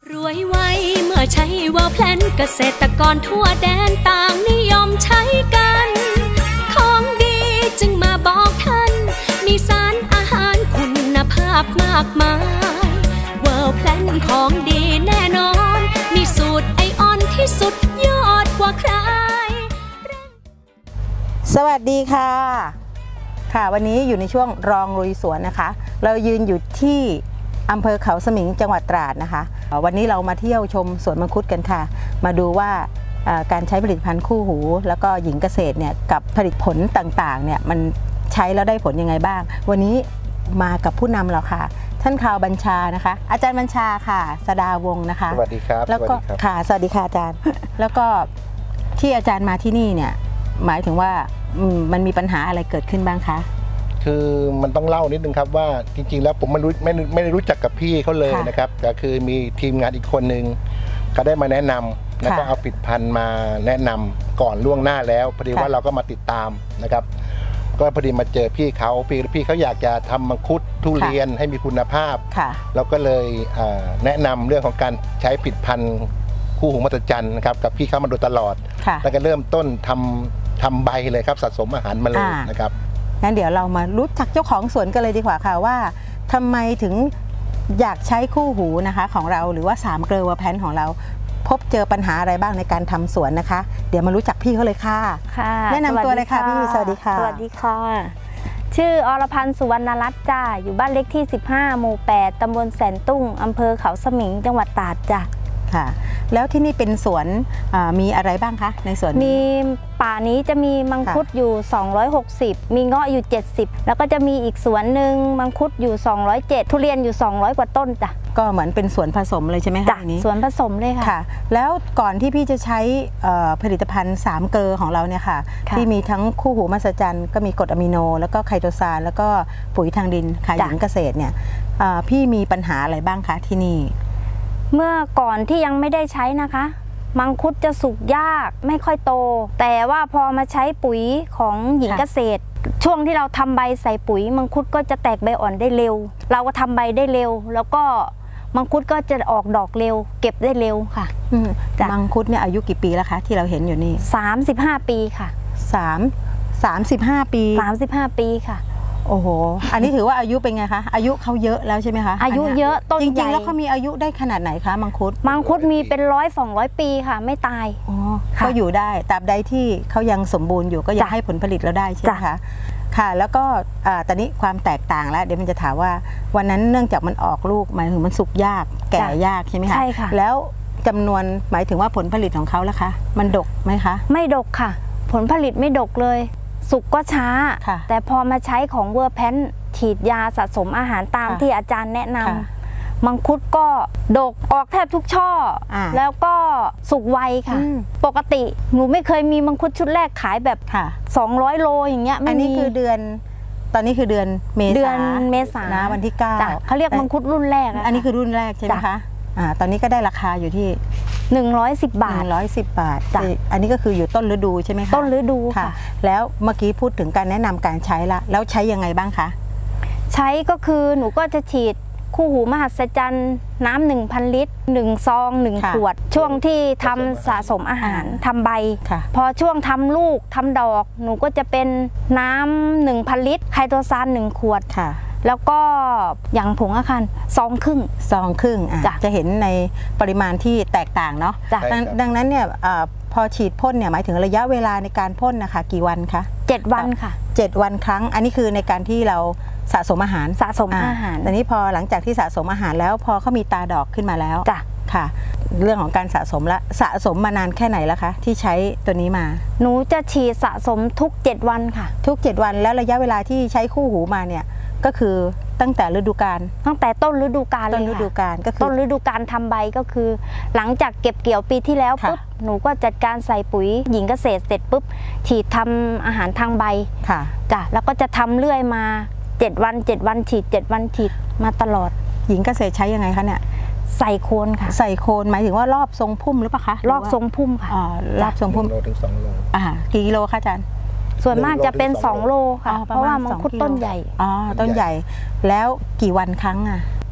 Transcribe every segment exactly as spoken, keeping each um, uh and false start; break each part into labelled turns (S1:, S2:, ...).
S1: รวยไวเมื่อใช้เวิร์แพลนเกษตรกรทั่วแดนต่างนิยมใช้กันของดีจึงมาบอกท่านมีสารอาหารคุณภาพมากมายเวิร์แพลนของดีแน่นอนมีสูตรไอออนที่สุดยอดกว่าใคร
S2: สวัสดีค่ะค่ะวันนี้อยู่ในช่วงรองลุยสวนนะคะเรายืนอยู่ที่อำเภอเขาสมิงจังหวัดตราดนะคะวันนี้เรามาเที่ยวชมสวนมังคุดกันค่ะมาดูว่าการใช้ผลิตภัณฑ์คู่หูแล้วก็หญิงเกษตรเนี่ยกับผลิตผลต่างๆเนี่ยมันใช้แล้วได้ผลยังไงบ้างวันนี้มากับผู้นำเราค่ะท่านข่าวบัญชานะคะอาจารย์บัญชาค่ะสดาวงศ์นะคะ
S3: สวัสดีครับ
S2: แล้วก็ค่ะสวัสดีค่ะอาจารย์แล้วก็ที่อาจารย์มาที่นี่เนี่ยหมายถึงว่ามันมีปัญหาอะไรเกิดขึ้นบ้างคะ
S3: คือมันต้องเล่านิดนึงครับว่าจริงๆแล้วผมไม่รู้ไม่ไม่ได้รู้จักกับพี่เขาเลยนะครับแต่คือมีทีมงานอีกคนนึงก็ได้มาแนะนำแล้วก็เอาผลิตภัณฑ์มาแนะนำก่อนล่วงหน้าแล้วพอดีว่าเราก็มาติดตามนะครับก็พอดีมาเจอพี่เขาพี่พี่เขาอยากจะทำมังคุดทุเรียนให้มีคุณภาพเราก็เลยแนะนำเรื่องของการใช้ผลิตภัณฑ์คู่หูมหัศจรรย์นะครับกับพี่เขามาโดยตลอดแล้วก็เริ่มต้นทำทำใบเลยครับสะสมอาหารมาเลยนะครับ
S2: งั้นเดี๋ยวเรามารู้จักเจ้าของสวนกันเลยดีกว่าค่ะว่าทำไมถึงอยากใช้คู่หูนะคะของเราหรือว่าสามเกลือเวอร์แพนของเราพบเจอปัญหาอะไรบ้างในการทำสวนนะคะเดี๋ยวมารู้จักพี่เขาเลยค่ะ
S4: ค่ะ
S2: แนะนำตัวเลยค่ะพี่สวัสดีค่ะ
S4: สวัสดีค่ะชื่ออรพันธ์สุวรรณรัตน์จ้าอยู่บ้านเล็กที่สิบห้าหมู่แปดตำบลแสนตุ้งอำเภอเขาสมิงจังหวัดตราดจ้ะ
S2: ค่ะแล้วที่นี่เป็นสวนมีอะไรบ้างคะในสวน
S4: มีป่านี้จะมีมังคุดอยู่สองร้อยหกสิบมีเงาะอยู่เจ็ดสิบแล้วก็จะมีอีกสวนหนึ่งมังคุดอยู่สองร้อยเจ็ดทุเรียนอยู่สองร้อยกว่าต้นจ้ะ
S2: ก็เหมือนเป็นสวนผสมเลยใช่ไหมคะ
S4: จ้ะสวนผสมเลยค่ะ
S2: ค่ะแล้วก่อนที่พี่จะใช้ผลิตภัณฑ์สามเกลือของเราเนี่ยค่ะที่มีทั้งคู่หูมหัศจรรย์ก็มีกรดอะมิโนแล้วก็ไคโตซานแล้วก็ปุ๋ยทางดินค่ะหญิงเกษตรเนี่ยพี่มีปัญหาอะไรบ้างคะที่นี่
S4: เมื่อก่อนที่ยังไม่ได้ใช้นะคะมังคุดจะสุกยากไม่ค่อยโตแต่ว่าพอมาใช้ปุ๋ยของหญิงเกษตรช่วงที่เราทำใบใส่ปุ๋ยมังคุดก็จะแตกใบอ่อนได้เร็วเราก็ทำใบได้เร็วแล้วก็มังคุดก็จะออกดอกเร็วเก็บได้เร็วค่ะ
S2: มังคุดเนี่ยอายุกี่ปีแล้วคะที่เราเห็นอยู่นี่
S4: สามสิบห้าปีค่ะ
S2: สามสามสิบห้าปี
S4: สามสิบห้าปีค่ะ
S2: โอ้โหอันนี้ถือว่าอายุเป็นไงคะอายุเขาเยอะแล้วใช่ไหมคะ
S4: อายุเยอะต้น
S2: จริงๆแล้วเขามีอายุได้ขนาดไหนคะมังคุด
S4: มังคุดมีเป็นร้อยสองร้อยปีค่ะไม่ตาย
S2: อ๋อก็อยู่ได้ตราบใดที่เขายังสมบูรณ์อยู่ก็ยังให้ผลผลิตเราได้ใช่ไหมคะค่ะแล้วก็ตอนนี้ความแตกต่างแล้วเดี๋ยวมันจะถามว่าวันนั้นเนื่องจากมันออกลูกหมายถึงมันสุกยากแก่ยากใช่ไหมคะ
S4: ใช่ค่ะ
S2: แล้วจำนวนหมายถึงว่าผลผลิตของเขาล่ะคะมันดกไหมคะ
S4: ไม่ดกค่ะผลผลิตไม่ดกเลยสุกก็ช้าแต่พอมาใช้ของเวอร์แพนฉีดยาสะสมอาหารตามที่อาจารย์แนะนำมังคุดก็ดกออกแทบทุกช่อแล้วก็สุกไวค่ะปกติหนูไม่เคยมีมังคุดชุดแรกขายแบบสองร้อยโลอย่างเงี้ย
S2: อันนี้คือเดือนตอนนี้คือเดือนเมษา
S4: เดือนเมษา
S2: นะวันที่เก้า
S4: เขาเรียกมังคุดรุ่นแรก
S2: อันนี้คือรุ่นแรกใช่ไหมคะอ่าตอนนี้ก็ได้ราคาอยู่ที่
S4: หนึ่งร้อยสิบบาท
S2: หนึ่งร้อยสิบบาทอันนี้ก็คืออยู่ต้นฤดูใช่ไหมคะ
S4: ต้นฤดูค่ะ
S2: แล้วเมื่อกี้พูดถึงการแนะนำการใช้ละแล้วใช้ยังไงบ้างคะ
S4: ใช้ก็คือหนูก็จะฉีดคู่หูมหัศจรรย์น้ำหนึ่งพันลิตรหนึ่งซองหนึ่งขวดช่วงที่ทำสะสมอาหารทำใบพอช่วงทำลูกทำดอกหนูก็จะเป็นน้ำหนึ่งพันลิตรไคโตซานหนึ่งขวดแล้วก็อย่างผงอาคารซองครึ่ง
S2: ซองครึ่งจะเห็นในปริมาณที่แตกต่างเนาะดังนั้นเนี่ยพอฉีดพ่นเนี่ยหมายถึงระยะเวลาในการพ่นนะคะกี่วันคะ
S4: เจ็ดวันค่ะ
S2: เจ็ดวันครั้งอันนี้คือในการที่เราสะสมอาหาร
S4: สะสมอาหาร
S2: แต่นี้พอหลังจากที่สะสมอาหารแล้วพอเขามีตาดอกขึ้นมาแล้ว
S4: จ้ะ
S2: ค่ะเรื่องของการสะสมละสะสมมานานแค่ไหนแล้วคะที่ใช้ตัวนี้มา
S4: หนูจะฉีดสะสมทุกเจ็ดวันค่ะ
S2: ทุกเจ็ดวันแล้วระยะเวลาที่ใช้คู่หูมาเนี่ยก็คือตั้งแต่ฤดูกาล
S4: ตั้งแต่ต้นฤดูกาลเลย
S2: ต้นฤดูกาลก็คือ
S4: ต้นฤดูกาลทำใบก็คือหลังจากเก็บเกี่ยวปีที่แล้วปุ๊บหนูก็จัดการใส่ปุ๋ยหญิงเกษตรเสร็จปุ๊บฉีดทำอาหารทางใบ
S2: ค่ะ
S4: จ้ะแล้วก็จะทำเรื่อยมาเจ็ดวันเจ็ดวันฉีดเจ็ดวันฉีดมาตลอด
S2: หญิงเกษตรใช้ยังไงคะเนี่ย
S4: ใส่โคนค่ะ
S2: ใส่โคนหมายถึงว่ารอบทรงพุ่มหรือเปล่าคะ
S4: รอบทรงพุ่มค่ะ
S2: อ๋อรอบทรงพุ่ม
S3: โลถึงสองโล
S2: อ่ากี่กิโลคะอาจารย์
S4: ส่วนมากจะเป็นสองโลค่ะเพราะว่ามังคุดต้นใหญ่
S2: อ๋อต้นใหญ่แล้วกี่วันครั้งอ่ะ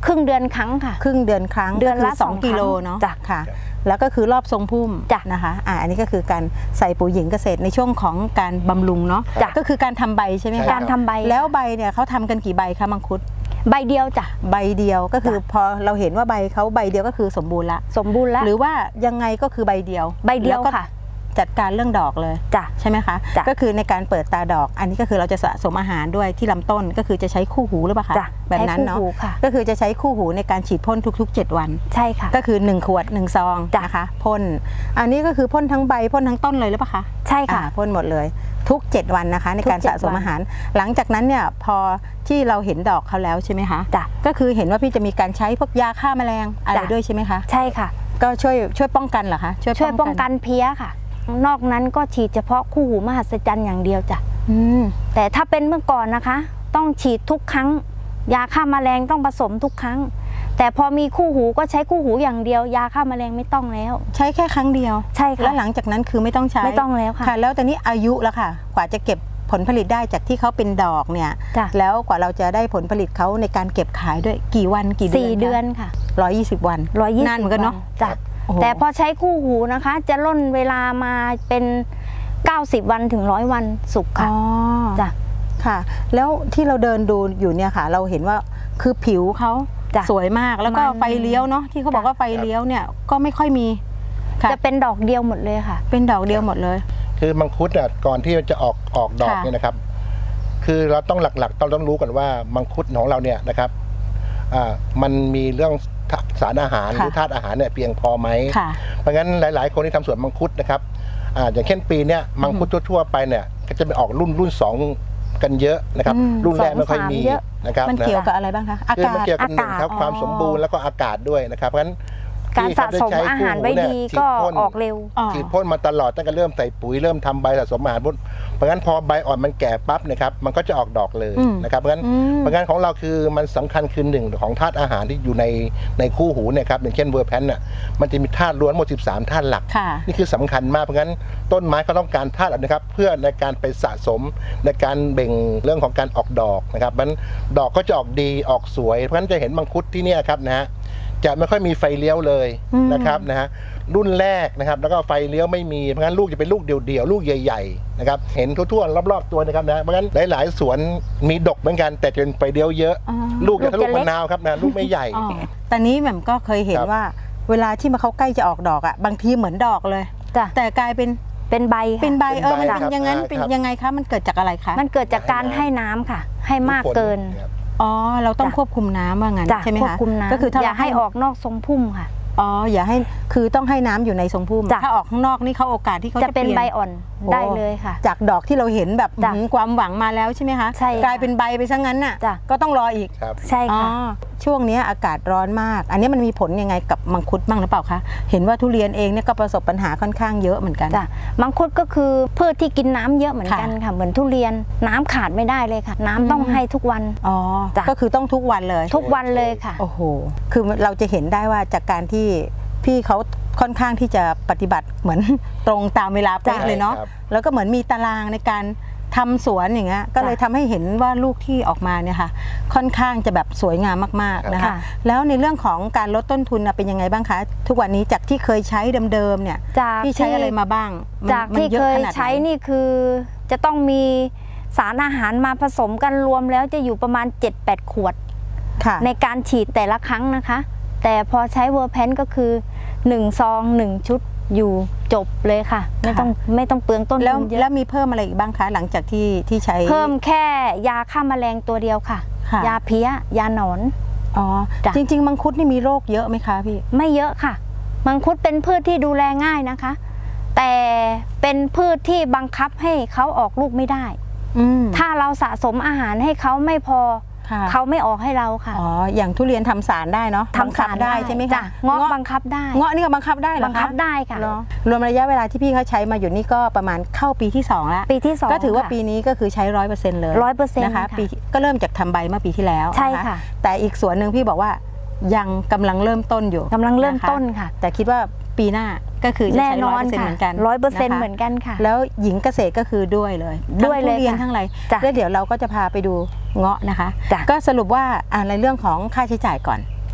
S4: ครึ่งเดือนครั้งค่ะ
S2: ครึ่งเดือนครั้ง
S4: เดือนละ
S2: สองกิโลเนาะ
S4: จ้ะ
S2: ค่ะ แล้วก็คือรอบทรงพุ่ม
S4: จ้ะ
S2: นะคะอ่าอันนี้ก็คือการใส่ปุ๋ยหญิงเกษตรในช่วงของการบำรุงเนาะ
S4: จ้ะ
S2: ก็คือการทำใบใช่ไหม
S3: ใช่
S2: คะ
S4: การทำใบ
S2: แล้วใบเนี่ยเขาทำกันกี่ใบคะมังคุด
S4: ใบเดียวจ้ะ
S2: ใบเดียวก็คือพอเราเห็นว่าใบเขาใบเดียวก็คือสมบูรณ์ละ
S4: สมบูรณ์แล้ว
S2: หรือว่ายังไงก็คือใบเดียว
S4: ใบเดียว
S2: แล้ก็
S4: ค่ะ
S2: จัดการเรื่องดอกเลย
S4: จ้ะ
S2: ใช่ไหมคะ
S4: จ้ะ
S2: ก็คือในการเปิดตาดอก อันนี้ก็คือเราจะสะสมอาหารด้วยที่ลำต้นก็คือจะใช้คู่หูหรือเปล่าคะ
S4: จ้ะ
S2: แบบนั้นเนาะ
S4: ใช้คู่หูค่ะ
S2: ก็คือจะใช้คู่หูในการฉีดพ่นทุกๆ เจ็ดวัน
S4: ใช่ค่ะ
S2: ก็คือหนึ่งขวดหนึ่งซอง
S4: จ้ะ
S2: นะคะพ่นอันนี้ก็คือพ่นทั้งใบพ่นทั้งต้นเลยหรือเปล่าคะ
S4: ใช่ค่ะ
S2: อ่าพ่นหมดเลยทุกเจ็ดวันนะคะในการ
S4: ทุกเจ็ด
S2: สะสมอาหาร หลังจากนั้นเนี่ยพอที่เราเห็นดอกเขาแล้วใช่ไหมคะ
S4: จ้ะ
S2: ก็คือเห็นว่าพี่จะมีการใช้พวกยาฆ่าแมลงอะไร
S4: จ้ะ
S2: ด้วยใช่ไหมคะ
S4: ใช่ค่ะ
S2: ก็ช่วยช่วยป้องกันเหรอคะ
S4: ช่วยป้องกันเพี้ยค่ะ นอกนั้นก็ฉีดเฉพาะคู่หูมหัศจรรย์อย่างเดียวจ้ะ
S2: อืม
S4: แต่ถ้าเป็นเมื่อก่อนนะคะ ต้องฉีดทุกครั้ง ยาฆ่าแมลงต้องผสมทุกครั้ง แต่พอมีคู่หูก็ใช้คู่หูอย่างเดียว ยาฆ่าแมลงไม่ต้องแล้ว
S2: ใช้แค่ครั้งเดียว
S4: ใช่ค่ะ
S2: แล้วหลังจากนั้นคือไม่ต้องใช้
S4: ไม่ต้องแล้วค่ะ
S2: ค่ะ แล้วแต่นี้อายุแล้วค่ะ กว่าจะเก็บผลผลิตได้จากที่เขาเป็นดอกเนี่ย
S4: จ้ะ
S2: แล้วกว่าเราจะได้ผลผลิตเขาในการเก็บขายด้วยกี่วันกี่เดือน
S4: สี่เดือนค่ะ
S2: ร้อยยี่สิบวัน
S4: ร้อยยี่สิบ
S2: นานเหมือนกันเนาะ
S4: จ้ะ
S2: โอ้โห
S4: แต่พอใช้คู่หูนะคะ จะล่นเวลามาเป็นเก้าสิบวันถึงร้อยวันสุก
S2: อ๋
S4: ค่ะ
S2: อ
S4: จ้ะ
S2: ค่ะ แล้วที่เราเดินดูอยู่เนี่ยค่ะ เราเห็นว่าคือผิวเขา
S4: จ้ะ
S2: สวยมากแล้วก็
S4: มัน
S2: ไฟเลี้ยวเนาะที่เขาบอกว่าไฟเลี้ยวเนี่ยก็ไม่ค่อยมีค่ะ
S4: จะเป็นดอกเดียวหมดเลยค่ะ
S2: เป็นดอกเดียวหมดเลย
S3: คือมังคุดอ่ะก่อนที่จะออกออกดอก
S2: ค่ะ
S3: เนี่ยนะครับ คือเราต้องหลักๆต้องต้องรู้กันว่ามังคุดของเราเนี่ยนะครับอ่ามันมีเรื่องสารอาหารหรือธาตุอาหารเนี่ยเพียงพอไหม
S2: ค่ะ
S3: เพราะงั้นหลาย ๆ คนที่ทำสวนมังคุดนะครับอ่าอย่างเช่นปีเนี้ยมังคุดทั่วๆไปเนี่ยก็จะเป็นออกรุ่นรุ่นสองกันเยอะนะครับ
S2: อืม
S3: รุ่นแรกไม่ค่อยมี
S4: สองสามเยอะ
S3: นะครับ
S2: มัน
S3: นะ
S2: เกี่ยวกับอะไรบ้างคะอา
S3: คือมัน
S2: กาศ
S3: เกี่ยวกับหนึ่งครับ
S4: อากาศ
S3: ความสมบูรณ์แล้วก็อากาศด้วยนะครับเพราะฉะนั้น
S4: การ
S3: ที่
S4: สะ
S3: เข
S4: สม
S3: ใช้
S4: อาหารไว้
S3: คู่
S4: ดี
S3: เนี่ย
S4: ก็
S3: ฉีพ่น
S4: ออกเร็ว
S2: อ๋อ
S3: ฉีดพ่นมาตลอดตั้งแต่เริ่มใส่ปุ๋ยเริ่มทำใบสะสมอาหารพุ่นเพราะงั้นพอใบอ่อนมันแก่ปั๊บนะครับมันก็จะออกดอกเลย
S2: อืม
S3: นะครับเพราะงั้น
S2: อืม
S3: เพราะงั้นของเราคือมันสำคัญคือหนึ่งของธาตุอาหารที่อยู่ในในคู่หูเนี่ยครับอย่างเช่นเวอร์แพนน่ะมันจะมีธาตุล้วนหมดสิบสามธาตุหลัก
S2: ค่ะ
S3: นี่คือสำคัญมากเพราะงั้นต้นไม้ก็ต้องการธาตุเหล่านี้ครับเพื่อในการไปสะสมในการเบ่งเรื่องของการออกดอกนะครับมันดอกก็จะออกดีออกสวยเพราะงั้นจะเห็นมังคุดที่เนี่ยครับนะฮะจะไม่ค่อยมีไฟเลี้ยวเลย
S2: อืม
S3: นะครับนะฮะรุ่นแรกนะครับแล้วก็ไฟเลี้ยวไม่มีเพราะงั้นลูกจะเป็นลูกเดี่ยวๆลูกใหญ่ๆนะครับเห็นทั่วๆรอบๆตัวนะครับนะเพราะงั้นหลายๆสวนมีดกเหมือนกันแต่จะเป็นไฟเลี้ยวเยอะ
S2: อ๋อ
S3: ลูกจะทะลุ
S4: ลูกจะเล็
S3: มะ
S4: ก
S3: นาวครับนะลูกไม่ใหญ่
S2: อ๋อแต่นี้แหม่มก็เคยเห็น
S3: ครับ
S2: ว่าเวลาที่มาเขาใกล้จะออกดอกอ่ะบางทีเหมือนดอกเลย
S4: จ้ะ
S2: แต่กลายเป็น
S4: เป็นใบค่ะ
S2: เป็นใบเออมัน
S3: เป็นใบ
S2: เป็นอย่างนั้น
S3: ครับ
S2: เป็น
S3: ครับ
S2: ยังไงคะมันเกิดจากอะไรคะ
S4: มันเกิดจากการให้น้ำค่ะ ให้มากเกิน
S3: ครับ
S2: อ๋อเราต้อง
S4: จ้ะ
S2: ควบคุมน้ำว่างั้น
S4: จ้ะ
S2: ใช่ไหม
S4: ควบ
S2: คะ
S4: คุมน้ำ
S2: ก็คือถ้า
S4: อย่า
S2: เรา
S4: ให้ออกนอกทรงพุ่มค่ะ
S2: อ๋ออย่าให้คือต้องให้น้ำอยู่ในทรงพุ่ม
S4: จ้ะ
S2: ถ้าออกข้างนอกนี่เขาโอกาสที่เขา
S4: จะ
S2: จะ
S4: เป็น
S2: เปลี่ยน
S4: ใบอ่อน
S2: โอ้
S4: ได้เลยค่ะ
S2: จากดอกที่เราเห็นแบบ
S4: จ้ะ
S2: หืมความหวังมาแล้วใช่ไหมคะ
S4: ใช่ค่ะ
S2: กลายเป็นใบไปซะงั้นน่ะ
S4: จ้ะ
S2: ก็ต้องรออีก
S3: ครับ
S4: ใช่
S2: อ๋อ
S4: ค่ะ
S2: ช่วงนี้อากาศร้อนมาก อันนี้มันมีผลยังไงกับมังคุดบ้างหรือเปล่าคะเห็นว่าทุเรียนเองเนี่ยก็ประสบปัญหาค่อนข้างเยอะเหมือนกัน
S4: จ้ะมังคุดก็คือพืชที่กินน้ำเยอะเหมือนกัน
S2: ค่ะ
S4: ค่ะ เหมือนทุเรียนน้ำขาดไม่ได้เลยค่ะ น้ำต้อง
S2: อืม
S4: ให้ทุกวัน
S2: อ๋อ
S4: จ้ะ
S2: ก็คือต้องทุกวันเลย
S4: ทุกวันเลยค่ะ
S2: โอ้โห คือเราจะเห็นได้ว่าจากการที่พี่เขาค่อนข้างที่จะปฏิบัติเหมือน ตรงตามเวลาเป๊ะ
S3: จ้ะ
S2: เลยเนาะ
S3: ครับ
S2: แล้วก็เหมือนมีตารางในการทำสวนอย่างเงี้ย ก็เลยทำให้เห็นว่าลูกที่ออกมาเนี่ยค่ะ ค่อนข้างจะแบบสวยงามมากๆนะคะ
S4: ค่ะ
S2: แล้วในเรื่องของการลดต้นทุนน่ะเป็นยังไงบ้างคะ ทุกวันนี้จากที่เคยใช้เดิมๆเนี่ย
S4: จาก
S2: พี่ใช้อะไรมาบ้างมัน
S4: จาก
S2: มัน
S4: ที่
S2: อะ
S4: เคย
S2: ขนาดไหน
S4: ใช้นี่คือจะต้องมีสารอาหารมาผสมกันรวมแล้วจะอยู่ประมาณ เจ็ดแปด ขวด
S2: ค่ะ
S4: ในการฉีดแต่ละครั้งนะคะ แต่พอใช้เวอร์แพนก็คือหนึ่งซองหนึ่งชุดอยู่จบเลยค่ะ ไม่ต้องไม่ต้องเปลืองต้น
S2: แล้ว
S4: ทุนเย
S2: แล้ว
S4: อะ
S2: มีเพิ่มอะไรอีกบ้างคะ หลังจากที่ที่ใช้
S4: เพิ่มแค่ยาฆ่าแมลงตัวเดียวค่ะ
S2: ค่ะ
S4: ยาเพี้ย ยาหนอน
S2: อ๋อ
S4: จ้ะ
S2: จริง ๆ มังคุดนี่มีโรคเยอะไหมคะพี่
S4: ไม่เยอะค่ะ มังคุดเป็นพืชที่ดูแลง่ายนะคะ แต่เป็นพืชที่บังคับให้เขาออกลูกไม่ได้
S2: อืม
S4: ถ้าเราสะสมอาหารให้เขาไม่พอ
S2: ค่ะ
S4: เขาไม่ออกให้เราค่ะ
S2: อ๋อ อย่างทุเรียนทำสารได้เนาะ
S4: ทำสาร
S2: บังคับได้ใช่ไหม
S4: จ้
S2: คะ
S4: เงาะบังคับได้
S2: เงาะนี่ก็บังคับได้เหรอคะ
S4: บังคับได้ค่ะ
S2: เหรอรวมระยะเวลาที่พี่เขาใช้มาอยู่นี่ก็ประมาณเข้าปีที่สองแล้ว
S4: ปีที่สอง
S2: ก็ถือว่า
S4: ค่ะ
S2: ปีนี้ก็คือใช้ร้อยเปอร์เซ็นต์เลย
S4: ร้อยเปอร์เซ็นต์
S2: นะคะ
S4: ค่ะ
S2: ปีก็เริ่มจากทำใบเมื่อปีที่แล้ว
S4: ใช่
S2: น
S4: ค่ะ
S2: แต่อีกส่วนหนึ่งพี่บอกว่ายังกำลังเริ่มต้นอยู่
S4: กำลังเริ่ม
S2: นะคะ
S4: ต้นค่ะ
S2: แต่คิดว่าปีหน้าก็คือจะ
S4: แน่
S2: ใช้
S4: น
S2: ร้
S4: อ
S2: อย
S4: น
S2: เปอร์เซ็นต์
S4: ค่ะ
S2: เหมือนกัน
S4: ร้อยเปอร์เซ็นต์
S2: ะคะ
S4: เหมือนกันค่ะ
S2: แล้วหญิงเกษตรก็คือด้วยเลย
S4: ด้วยเลย
S2: ทั้งทุเรียน
S4: ค่ะ
S2: ทั้งอะไร
S4: จ้ะ
S2: แล้วเดี๋ยวเราก็จะพาไปดูเงาะนะคะ
S4: จ้ะ
S2: ก็สรุปว่าอ่าในเรื่องของค่าใช้จ่ายก่อน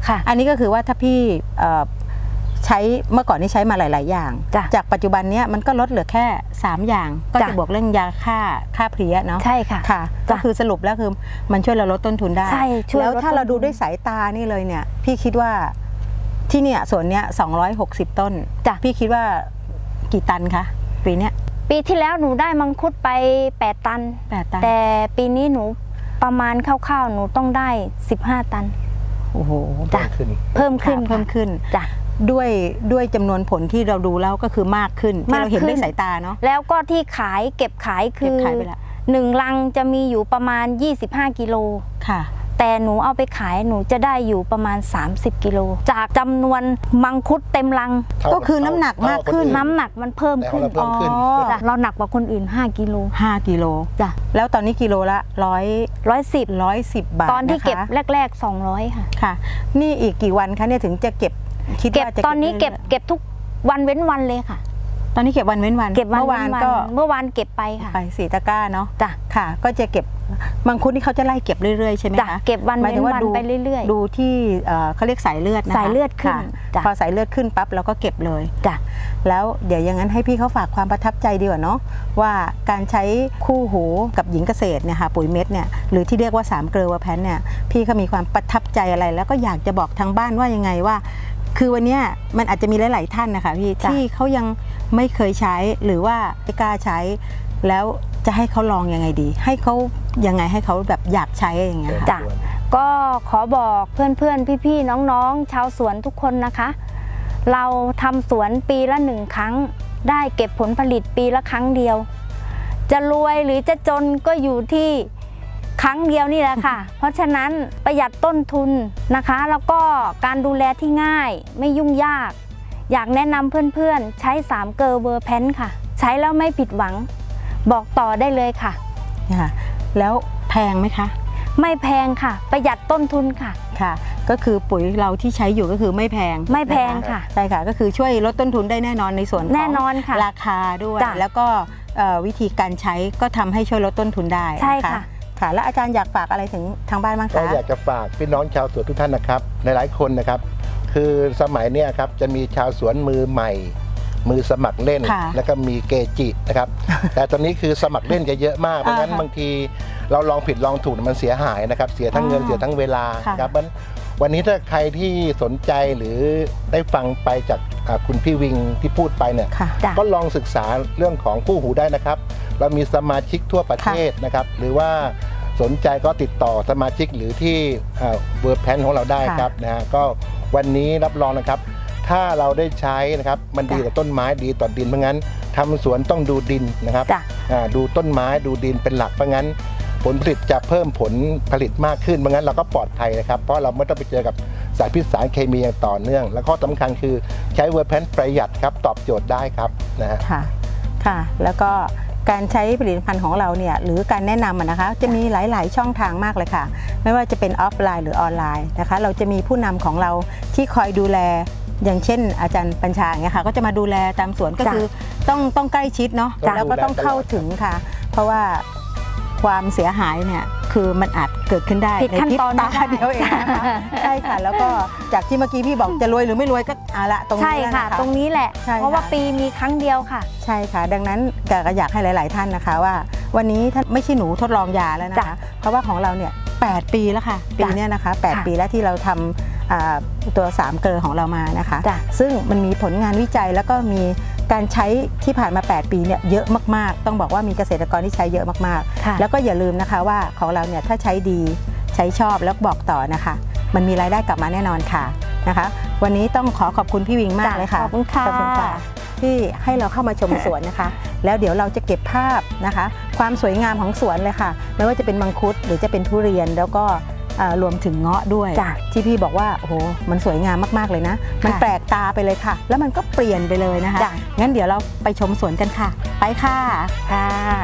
S4: ค่ะ
S2: อันนี้ก็คือว่าถ้าพี่ใช้เมื่อก่อนนี่ใช้มาหลาย ๆ อย่างจากปัจจุบันนี้มันก็ลดเหลือแค่สามอย่างก็จะบวกเรื่องยาฆ่าฆ่าเพลี้ยเนาะ
S4: ใช่ค่ะ
S2: ค่ะก็คือสรุปแล้วคือมันช่วยเราลดต้นทุนได้
S4: ใช่
S2: แล้วถ้าเราดูด้วยสายตานี่เลยเนี่ยพี่คิดว่าที่เนี่ยส่วนเนี้ยสองร้อยหกสิบต้นพี่คิดว่ากี่ตันคะปีเนี้ย
S4: ปีที่แล้วหนูได้มังคุดไปแปดตันแต่ปีนี้หนูประมาณคร่าวๆหนูต้องได้สิบห้าตัน
S2: โอ้โห
S3: เพิ่มขึ้น
S2: เพิ่มขึ้นเพิ่มขึ้น
S4: จ้ะ
S2: ด้วยด้วยจำนวนผลที่เราดูแล้วก็คือมากขึ้นที่เราเห็นด้วยสายตาเนาะ
S4: แล้วก็ที่ขายเก็บขายคือหนึ่งลังจะมีอยู่ประมาณยี่สิบห้ากิโล
S2: ค่ะ
S4: แต่หนูเอาไปขายหนูจะได้อยู่ประมาณสามสิบกิโลจากจำนวนมังคุดเต็มลัง
S2: ก็คือน้ำหนักมากขึ้น
S4: น้ำหนักมันเพิ่มขึ้นเราหนักกว่าคนอื่นห้ากิโล
S2: ห้ากิโล
S4: จ้ะ
S2: แล้วตอนนี้กิโลละร้อย
S4: ร้อยสิบ
S2: ร้อยสิบบาท
S4: ตอนที่เก็บแรกๆสองร้อยค่ะ
S2: ค่ะนี่อีกกี่วันคะเนี่ยถึงจะเก็บ
S4: คิดว่าจะตอนนี้เก็บเก็บทุกวันเว้นวันเลยค่ะ
S2: ตอนนี้เก็บวันเว้นวัน
S4: เก็บวันเมื่อวานก็เมื่อวานเก็บไปค่ะ
S2: ไปสี่ตะกร้าเนาะ
S4: จ้ะ
S2: ค่ะก็จะเก็บมังคุดนี่เขาจะไล่เก็บเรื่อยๆใช่ไหมคะ
S4: เก็บวันเว้นวันไปเรื่อย
S2: ๆดูที่เขาเรียกสายเลือดนะคะ
S4: สายเลือดขึ้น
S2: พอสายเลือดขึ้นปั๊บเราก็เก็บเลย
S4: จ้ะ
S2: แล้วเดี๋ยวอย่างนั้นให้พี่เขาฝากความประทับใจดีกว่าเนาะว่าการใช้คู่หูกับหญิงเกษตรเนี่ยค่ะปุ๋ยเม็ดเนี่ยหรือที่เรียกว่าสามเกลือเวอร์แพนเนี่ยพี่เขามีความประทับใจอะไรแล้วก็อยากจะบอกทางบ้านว่ายังไงว่าคือวันนี้มันอาจจะมีหลายๆท่านนะคะพี่ที่เขายังไม่เคยใช้หรือว่าไม่กล้าใช้แล้วจะให้เขาลองยังไงดีให้เขายังไงให้เขาแบบอยากใช้อย่างเงี้ย
S4: จ้ะก็ขอบอกเพื่อนๆพี่ๆน้องๆชาวสวนทุกคนนะคะเราทำสวนปีละหนึ่งครั้งได้เก็บผลผลิตปีละครั้งเดียวจะรวยหรือจะจนก็อยู่ที่ครั้งเดียวนี่แหละค่ะ เพราะฉะนั้นประหยัดต้นทุนนะคะแล้วก็การดูแลที่ง่ายไม่ยุ่งยากอยากแนะนำเพื่อนๆใช้สามเกลอเวอร์แพนค่ะใช้แล้วไม่ผิดหวังบอกต่อได้เลยค่ะ
S2: แล้วแพงไหมคะ
S4: ไม่แพงค่ะประหยัดต้นทุนค่ะ
S2: ค่ะก็คือปุ๋ยเราที่ใช้อยู่ก็คือไม่แพง
S4: ไม่แพงค่ะ
S2: ใช่ค่ะก็คือช่วยลดต้นทุนได้แน่นอนในส่วนของ
S4: แน่นอนค่ะ
S2: ราคาด้วยแล้วก็วิธีการใช้ก็ทำให้ช่วยลดต้นทุนได้
S4: ใช่ค่ะ
S2: ค่ะแล้วอาจารย์อยากฝากอะไรถึงทางบ้านบ้างคะ
S3: ก็อยากจะฝากพี่น้องชาวสวนทุกท่านนะครับหลายๆคนนะครับคือสมัยนี้ครับจะมีชาวสวนมือใหม่มือสมัครเล่นแล้วก็มีเกจินะครับแต่ตอนนี้คือสมัครเล่นจะเยอะมากเพราะงั้นบางทีเราลองผิดลองถูกมันเสียหายนะครับเสียทั้งเงินเสียทั้งเวลาครับวันนี้ถ้าใครที่สนใจหรือได้ฟังไปจากคุณพี่วิงที่พูดไปเนี่ยก็ลองศึกษาเรื่องของคู่หูได้นะครับเรามีสมาชิกทั่วประเทศนะครับหรือว่าสนใจก็ติดต่อสมาชิกหรือที่เวอร์แพนของเราได้ครับนะฮะก็วันนี้รับรองนะครับถ้าเราได้ใช้นะครับมันดีต่อต้นไม้ดีต่อดินเพราะงั้นทำสวนต้องดูดินนะครับดูต้นไม้ดูดินเป็นหลักเพราะงั้นผลผลิตจะเพิ่มผลผลิตมากขึ้นเพราะงั้นเราก็ปลอดภัยนะครับเพราะเราไม่ต้องไปเจอกับสารพิษสารเคมีอย่างต่อเนื่องและข้อสำคัญคือใช้เวอร์แพนประหยัดครับตอบโจทย์ได้ครับนะฮะ
S2: ค่ะค่ะแล้วก็การใช้ผลิตภัณฑ์ของเราเนี่ยหรือการแนะนำนะคะจะมีหลายๆช่องทางมากเลยค่ะไม่ว่าจะเป็นออฟไลน์หรือออนไลน์นะคะเราจะมีผู้นำของเราที่คอยดูแลอย่างเช่นอาจารย์ปัญชาเนี่ยค่ะก็จะมาดูแลตามสวนก็คือต้องต้องใกล้ชิดเนาะแล้วก็ต้องเข้าถึงค่ะเพราะว่าความเสียหายเนี่ยคือมันอาจเกิดขึ้นได้
S4: ในขั้นตอน
S2: ตาเดียวเองนะคะใช่ค่ะแล้วก็จากที่เมื่อกี้พี่บอกจะรวยหรือไม่รวยก็เอาละตรงนี้
S4: ใช่ค่ะตรงนี้แหละเพราะว่าปีมีครั้งเดียวค่ะ
S2: ใช่ค่ะดังนั้นก็อยากให้หลายๆท่านนะคะว่าวันนี้ท่านไม่ใช่หนูทดลองยาแล้วนะคะเพราะว่าของเราเนี่ยแปดปีแล้วค่ะปีนี้นะคะแปดปีแล้วที่เราทำตัวสามเกลือของเรามานะคะซึ่งมันมีผลงานวิจัยแล้วก็มีการใช้ที่ผ่านมาแปดปีเนี่ยเยอะมากๆต้องบอกว่ามีเกษตรกรที่ใช้เยอะมากๆแล้วก็อย่าลืมนะคะว่าของเราเนี่ยถ้าใช้ดีใช้ชอบแล้วบอกต่อนะคะมันมีรายได้กลับมาแน่นอนค่ะนะคะวันนี้ต้องขอขอบคุณพี่วิงมากเลยค่ะ
S4: ขอบคุณค่ะ
S2: ที่ให้เราเข้ามาชมสวนนะคะแล้วเดี๋ยวเราจะเก็บภาพนะคะความสวยงามของสวนเลยค่ะไม่ว่าจะเป็นมังคุดหรือจะเป็นทุเรียนแล้วก็รวมถึงเงาะด้วยที่พี่บอกว่าโอ้โหมันสวยงามมากๆเลยนะมันแปลกตาไปเลยค่ะแล้วมันก็เปลี่ยนไปเลยนะคะงั้นเดี๋ยวเราไปชมสวนกันค่ะไปค่ะ
S4: ค่ะ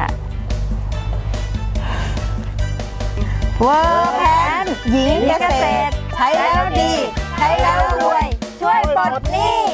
S2: เวอร์แพนหญิงเกษตรใช้แล้วดีใช้แล้วรวยช่วยปลดหนี้